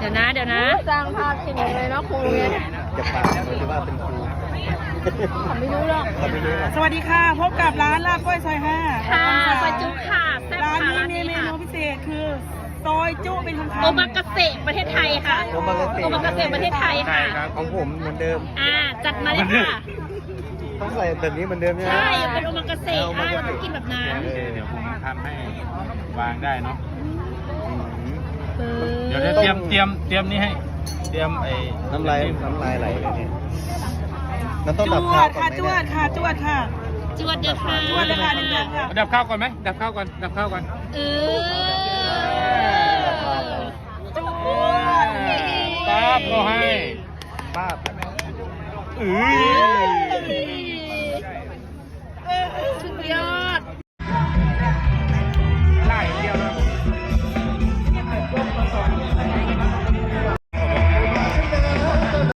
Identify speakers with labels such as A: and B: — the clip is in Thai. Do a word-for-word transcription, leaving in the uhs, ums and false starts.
A: เดี๋ยวนะเดี๋ยวนะ
B: สร้างภาพจริงเลยนะครูเนี่ย
C: จะพาเราจะว่าเป็นครู
B: ผมไม่รู้หรอก
C: เราไม่รู้หรอก
D: สวัสดีค่ะพบกับร้านลาบก้อยซอยห้า
A: ค่ะซอยจุค่ะแซ่บ
D: ร้าน
A: ค่ะ
D: นี้
A: ร้าน
D: มี
A: นี้
D: เม
A: ค่ะ
D: นูพิเศษคือซอยจุเป็นคำๆ
A: โอมากาเสะประเทศไทยค่ะ
C: โอมากาเสะ
A: โอมากาเสะประเทศไทยค่ะ
C: ของผมเหมือนเดิม
A: อ่าจัดมาเลยค่ะ
C: ต้องใส่แบบนี้เหมือนเดิมใช่ไหม
A: ใช่เป็นโอมากาเสะอ่าเราต้องกินแบบนั้น
E: เดี๋ยวผมทำให้วางได้เนาะ
C: อืม
E: เดี๋ยวเตรียมเตรียมเตรียมนี่ให้ เตรียมไอ้
C: น้ำลายน้ำลายไหลเลยเนี่ยมันต้อง
D: จ
C: ดับ
D: ว
C: ข้าว
D: ด
C: ก่อน
D: ค่ะ
C: ไหม
D: จว
C: เนี่ย
D: ดค่ะจวดค่ะ
A: จวดเดือดค่ะ
D: จวดเลยค่ะหนึ่งอย่างค่ะ
E: ดับข้าวก่อนไหมดับข้าวก่อนดับข้าวก่อน
A: เออ
D: จวด
E: ปั๊บก็ให้
C: ป้าบ
E: เอ้ย